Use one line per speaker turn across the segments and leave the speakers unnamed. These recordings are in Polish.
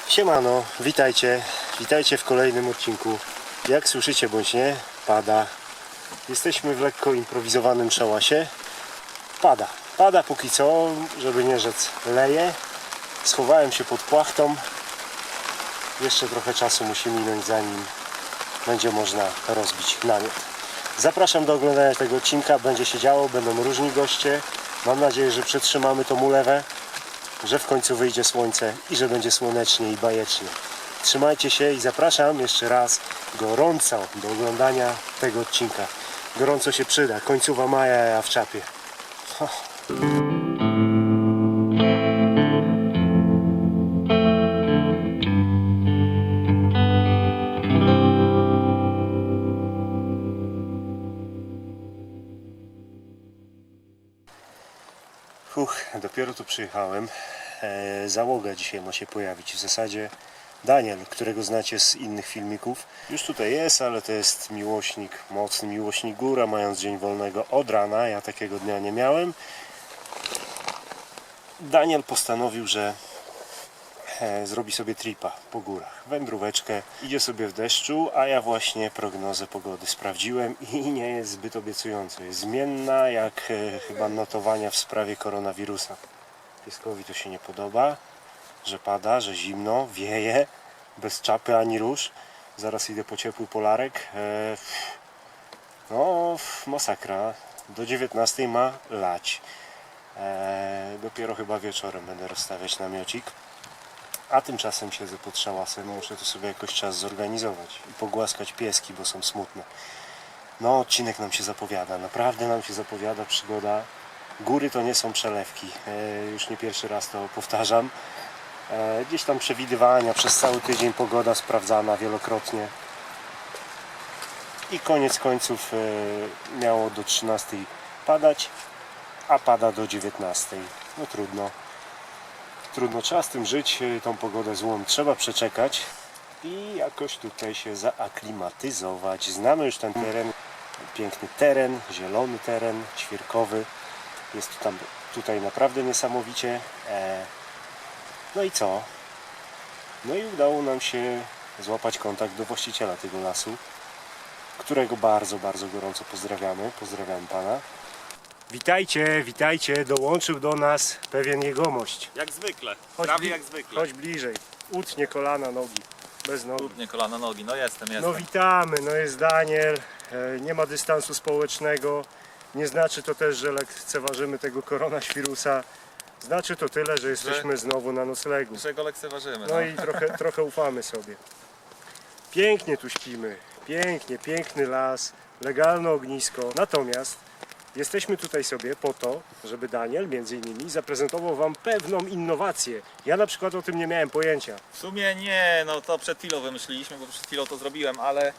Siemano, witajcie w kolejnym odcinku. Jak słyszycie bądź nie, pada. Jesteśmy w lekko improwizowanym szałasie. Pada póki co, żeby nie rzec leje. Schowałem się pod płachtą. Jeszcze trochę czasu musi minąć, zanim będzie można rozbić namiot. Zapraszam do oglądania tego odcinka, będzie się działo, będą różni goście. Mam nadzieję, że przetrzymamy tą ulewę, że w końcu wyjdzie słońce i że będzie słonecznie i bajecznie. Trzymajcie się i zapraszam jeszcze raz gorąco do oglądania tego odcinka. Gorąco się przyda, końcowa maja, ja w czapie. Dopiero tu przyjechałem. Załoga dzisiaj ma się pojawić. W zasadzie Daniel, którego znacie z innych filmików, już tutaj jest, ale to jest miłośnik, mocny miłośnik góra, mając dzień wolnego od rana. Ja takiego dnia nie miałem. Daniel postanowił, że zrobi sobie tripa po górach, wędróweczkę, idzie sobie w deszczu, a ja właśnie prognozę pogody sprawdziłem i nie jest zbyt obiecująco. Jest zmienna jak chyba notowania w sprawie koronawirusa. Pieskowi to się nie podoba, że pada, że zimno, wieje, bez czapy ani róż. Zaraz idę po ciepły polarek. No, masakra. Do 19 ma lać. Dopiero chyba wieczorem będę rozstawiać namiocik. A tymczasem siedzę pod szałasem, muszę to sobie jakoś czas zorganizować i pogłaskać pieski, bo są smutne. No, odcinek nam się zapowiada, naprawdę nam się zapowiada przygoda. Góry to nie są przelewki, już nie pierwszy raz to powtarzam. Gdzieś tam przewidywania, przez cały tydzień pogoda sprawdzana wielokrotnie. I koniec końców miało do 13 padać, a pada do 19. No trudno. Trudno, trzeba z tym żyć, tą pogodę złą trzeba przeczekać i jakoś tutaj się zaaklimatyzować. Znamy już ten teren, piękny teren, zielony teren, ćwierkowy. Jest tutaj naprawdę niesamowicie. No i co? No i udało nam się złapać kontakt do właściciela tego lasu, którego bardzo, bardzo gorąco pozdrawiamy. Pozdrawiam pana. Witajcie, dołączył do nas pewien jegomość.
Jak zwykle, prawie jak zwykle.
Chodź bliżej, utnie kolana, nogi, bez nogi.
Utnie kolana, nogi, no jestem.
No witamy, no jest Daniel, nie ma dystansu społecznego, nie znaczy to też, że lekceważymy tego koronawirusa. Znaczy to tyle, że jesteśmy znowu na noclegu.
Że go lekceważymy.
No i trochę ufamy sobie. Pięknie tu śpimy, piękny las, legalne ognisko, natomiast jesteśmy tutaj sobie po to, żeby Daniel między innymi zaprezentował wam pewną innowację. Ja na przykład o tym nie miałem pojęcia.
W sumie nie, no to przed chwilą wymyśliliśmy, bo przed chwilą to zrobiłem, ale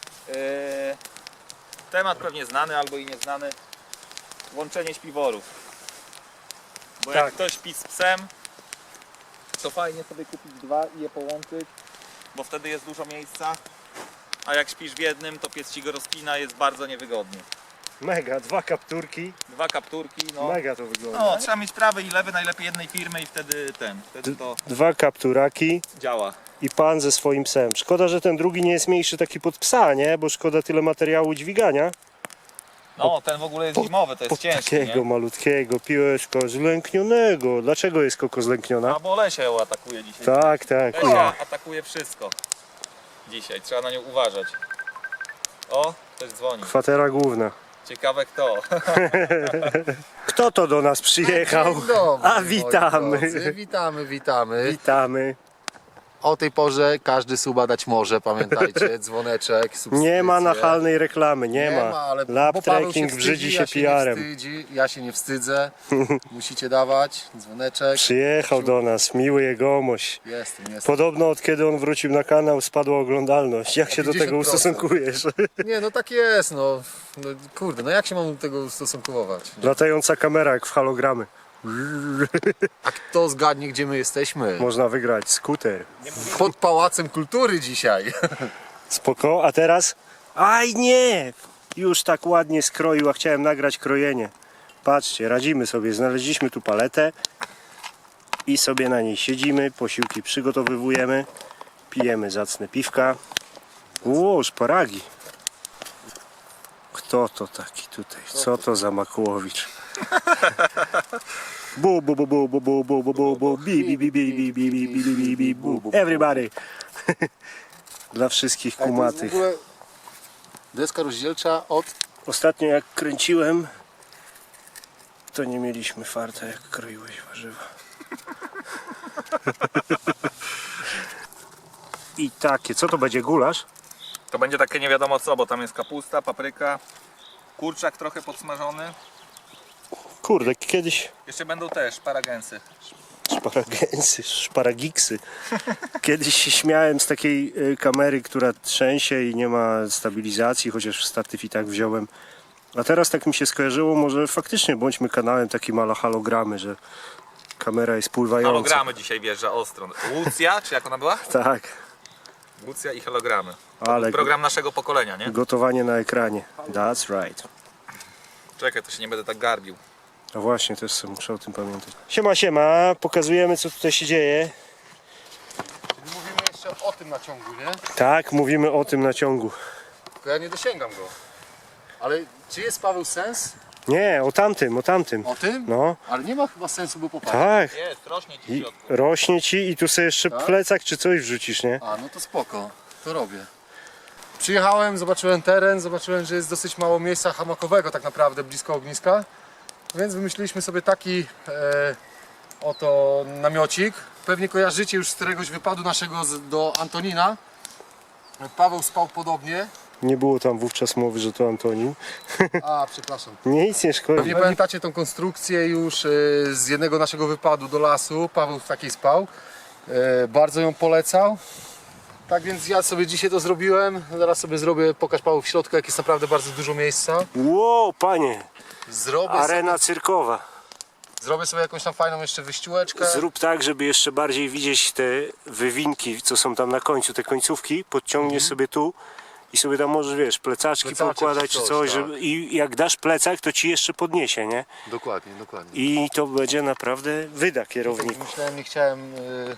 temat pewnie znany albo i nieznany. Łączenie śpiworów. Bo
Tak.
jak ktoś śpi z psem, to fajnie sobie kupić dwa i je połączyć, bo wtedy jest dużo miejsca. A jak śpisz w jednym, to pies ci go rozpina, jest bardzo niewygodnie.
Mega, dwa kapturki,
Dwa kapturki, no.
mega to wygląda.
No, trzeba mieć prawy i lewy, najlepiej jednej firmy i wtedy to
Dwa kapturaki
działa.
i pan ze swoim psem. Szkoda, że ten drugi nie jest mniejszy taki pod psa, nie? Bo szkoda tyle materiału dźwigania.
No, ten w ogóle jest zimowy, to jest ciężki,
Takiego
nie?
malutkiego pieska zlęknionego. Dlaczego jest koko zlękniona?
A bo Lesia ją atakuje dzisiaj.
Tak.
Lesia atakuje wszystko. Dzisiaj, trzeba na nią uważać. O, ktoś dzwoni.
Kwatera główna.
Ciekawe kto.
Kto to do nas przyjechał?
Dzień dobry,
A
moi
witamy.
drodzy. Witamy.
Witamy.
O tej porze każdy suba dać może, pamiętajcie, dzwoneczek, subskrypcje.
Nie ma nachalnej reklamy, nie ma.
ale
Lab
bo Paweł
trekking
wstydzi,
brzydzi się
ja
PR-em.
nie wstydzi, ja się nie wstydzę. Musicie dawać dzwoneczek.
Przyjechał do nas, miły jegomość.
Jestem.
Podobno od kiedy on wrócił na kanał spadła oglądalność. Jak się do tego
50%.
ustosunkujesz?
Nie, no tak jest, no kurde, no jak się mam do tego ustosunkować?
Latająca kamera jak w halogramy.
A kto zgadnie, gdzie my jesteśmy?
Można wygrać skuter.
Pod Pałacem Kultury dzisiaj.
Spoko, a teraz? Aj nie! Już tak ładnie skroił, a chciałem nagrać krojenie. Patrzcie, radzimy sobie, znaleźliśmy tu paletę. i sobie na niej siedzimy, posiłki przygotowywujemy, pijemy zacne piwka. Ło, szparagi. Kto to taki tutaj? Co to za Makłowicz? Bu bu bu bu bu bu bu bu bu bu bi bi bi bi bi bi bi bi bi bi bu. Everybody. Dla wszystkich
To jest w
kumatych.
ogóle deska rozdzielcza od...
Ostatnio jak kręciłem, to nie mieliśmy farta, jak kroiłeś warzywa. I takie, co to będzie, gulasz?
To będzie takie nie wiadomo co, bo tam jest kapusta, papryka, kurczak trochę podsmażony.
Kurde, kiedyś
Jeszcze będą też paragensy.
szparagensy, szparagiksy. Kiedyś się śmiałem z takiej kamery, która trzęsie i nie ma stabilizacji, chociaż statyw i tak wziąłem. A teraz tak mi się skojarzyło, może faktycznie bądźmy kanałem takim ala halogramy, że kamera jest pływająca.
Hologramy dzisiaj wjeżdża ostro. Łucja, czy jak ona była?
Tak,
Łucja i hologramy.
ale
Program naszego pokolenia, nie?
gotowanie na ekranie. That's right.
Czekaj, to się nie będę tak garbił.
No właśnie, też sobie muszę o tym pamiętać. Siema, siema, pokazujemy co tutaj się dzieje.
Mówimy jeszcze o tym naciągu, nie?
Tak, mówimy o tym na ciągu.
Tylko ja nie dosięgam go. Ale czy jest, Paweł, sens?
Nie, o tamtym, o tamtym.
O tym?
No,
Ale nie ma chyba sensu, bo popatrz.
tak.
Jest, rośnie ci w
I
środku.
rośnie ci i tu sobie jeszcze
Tak?
plecak czy coś wrzucisz, nie?
A, no to spoko, to robię. Przyjechałem, zobaczyłem teren, zobaczyłem, że jest dosyć mało miejsca hamakowego tak naprawdę blisko ogniska. Więc wymyśliliśmy sobie taki oto namiocik. Pewnie kojarzycie już z któregoś wypadu naszego do Antonina. Paweł spał podobnie.
Nie było tam wówczas mowy, że to Antonin.
A, przepraszam.
Nic nie szkodzi.
Pewnie pamiętacie tą konstrukcję już z jednego naszego wypadu do lasu. Paweł w takiej spał. Bardzo ją polecał. Tak więc ja sobie dzisiaj to zrobiłem. Zaraz sobie zrobię, pokaż Paweł w środku, jak jest naprawdę bardzo dużo miejsca.
Ło, panie,
Zrobię
arena cyrkowa.
Zrobię sobie jakąś tam fajną jeszcze wyściółeczkę.
Zrób tak, żeby jeszcze bardziej widzieć te wywinki, co są tam na końcu, te końcówki. Podciągniesz sobie tu i sobie tam możesz, wiesz, plecaczki
Plecaczek
poukładać
czy
czy
coś,
coś.
tak.
Żeby, i jak dasz plecak, to ci jeszcze podniesie, nie?
Dokładnie, dokładnie.
I to będzie naprawdę wyda kierowniku.
Myślałem, nie chciałem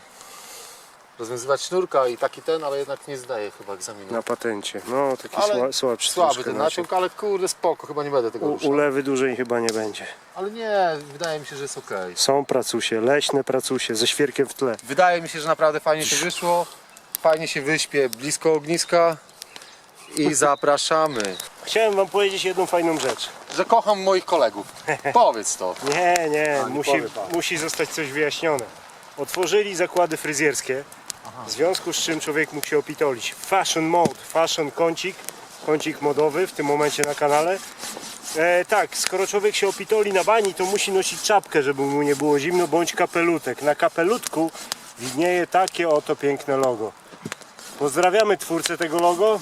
rozwiązywać sznurka i taki ten, ale jednak nie zdaję chyba egzaminu.
Na patencie. No, taki
Ale
słabszy
Słaby
troszkę
ten
naciąg.
naciąg, ale kurde spoko, chyba nie będę tego ruszał.
Ulewy dłużej chyba nie będzie.
Ale nie, wydaje mi się, że jest ok.
Są pracusie, leśne pracusie, ze świerkiem w tle.
Wydaje mi się, że naprawdę fajnie się wyszło. Fajnie się wyśpię blisko ogniska. I zapraszamy.
Chciałem wam powiedzieć jedną fajną rzecz.
Że kocham moich kolegów. Powiedz to.
Nie,
nie powiem tak.
musi zostać coś wyjaśnione. Otworzyli zakłady fryzjerskie, w związku z czym człowiek mógł się opitolić. Fashion mode, fashion kącik modowy w tym momencie na kanale. Tak, skoro człowiek się opitoli na bani, to musi nosić czapkę, żeby mu nie było zimno, bądź kapelutek. Na kapelutku widnieje takie oto piękne logo. Pozdrawiamy twórcę tego logo.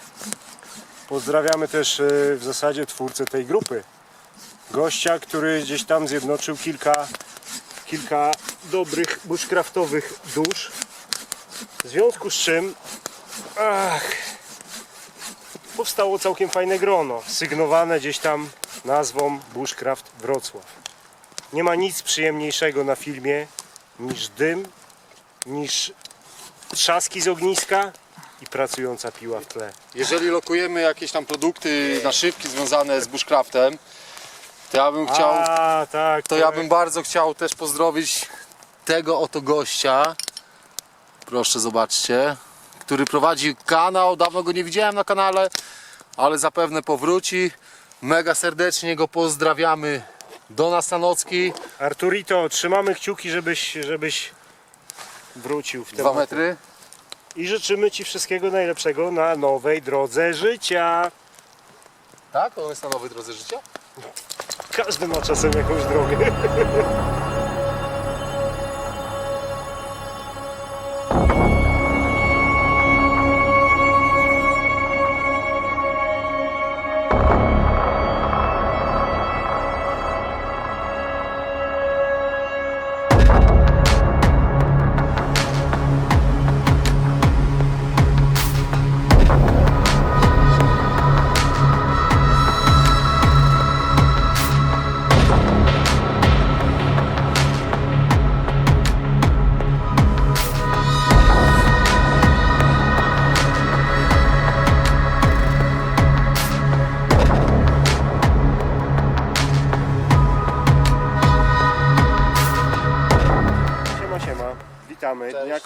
Pozdrawiamy też w zasadzie twórcę tej grupy. Gościa, który gdzieś tam zjednoczył kilka dobrych bushcraftowych dusz. W związku z czym powstało całkiem fajne grono, sygnowane gdzieś tam nazwą Bushcraft Wrocław. Nie ma nic przyjemniejszego na filmie niż dym, niż trzaski z ogniska i pracująca piła w tle.
Jeżeli lokujemy jakieś tam produkty, naszywki związane z bushcraftem, to ja bym chciał...
Tak,
To ja bym bardzo chciał też pozdrowić tego oto gościa. Proszę zobaczcie, który prowadzi kanał. Dawno go nie widziałem na kanale, ale zapewne powróci. Mega serdecznie go pozdrawiamy do Nastanocki.
Arturito, trzymamy kciuki, żebyś wrócił w
2
temat.
metry.
I życzymy Ci wszystkiego najlepszego na nowej drodze życia.
Tak? On jest na nowej drodze życia?
Każdy ma czasem jakąś drogę.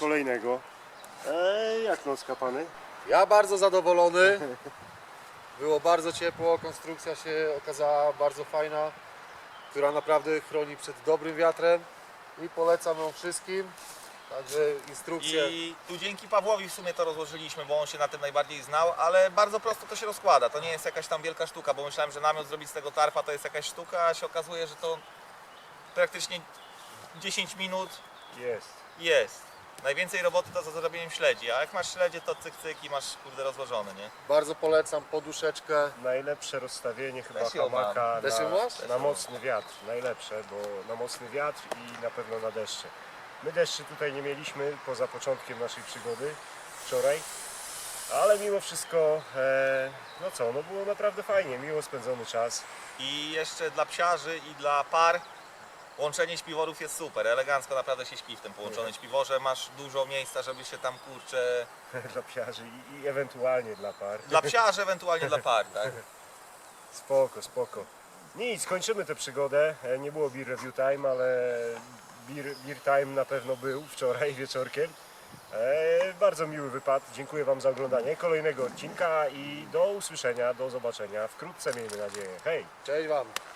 kolejnego. Jak nocka pany?
Ja bardzo zadowolony. Było bardzo ciepło, konstrukcja się okazała bardzo fajna, która naprawdę chroni przed dobrym wiatrem i polecam ją wszystkim. Także instrukcje.
I tu dzięki Pawłowi w sumie to rozłożyliśmy, bo on się na tym najbardziej znał, ale bardzo prosto to się rozkłada. To nie jest jakaś tam wielka sztuka, bo myślałem, że namiot zrobić z tego tarpa to jest jakaś sztuka, a się okazuje, że to praktycznie 10 minut jest. Najwięcej roboty to za zrobieniem śledzi, a jak masz śledzie, to cyk cyk i masz kurde rozłożone, nie?
Bardzo polecam poduszeczkę.
Najlepsze rozstawienie chyba
Też ją mam.
hamaka
Też ją masz?
na mocny wiatr. Najlepsze, bo na mocny wiatr i na pewno na deszcze. My deszczy tutaj nie mieliśmy poza początkiem naszej przygody wczoraj, ale mimo wszystko, no co, no było naprawdę fajnie, miło spędzony czas.
I jeszcze dla psiarzy i dla par łączenie śpiworów jest super, elegancko naprawdę się śpi w tym połączonym śpiworze, masz dużo miejsca, żeby się tam kurczę...
Dla psiarzy i ewentualnie dla par.
Dla psiarzy, ewentualnie dla par, tak?
Spoko, spoko. Nic, kończymy tę przygodę. Nie było beer review time, ale beer time na pewno był wczoraj wieczorkiem. Bardzo miły wypad. Dziękuję Wam za oglądanie kolejnego odcinka i do usłyszenia, do zobaczenia wkrótce, miejmy nadzieję. Hej!
Cześć Wam.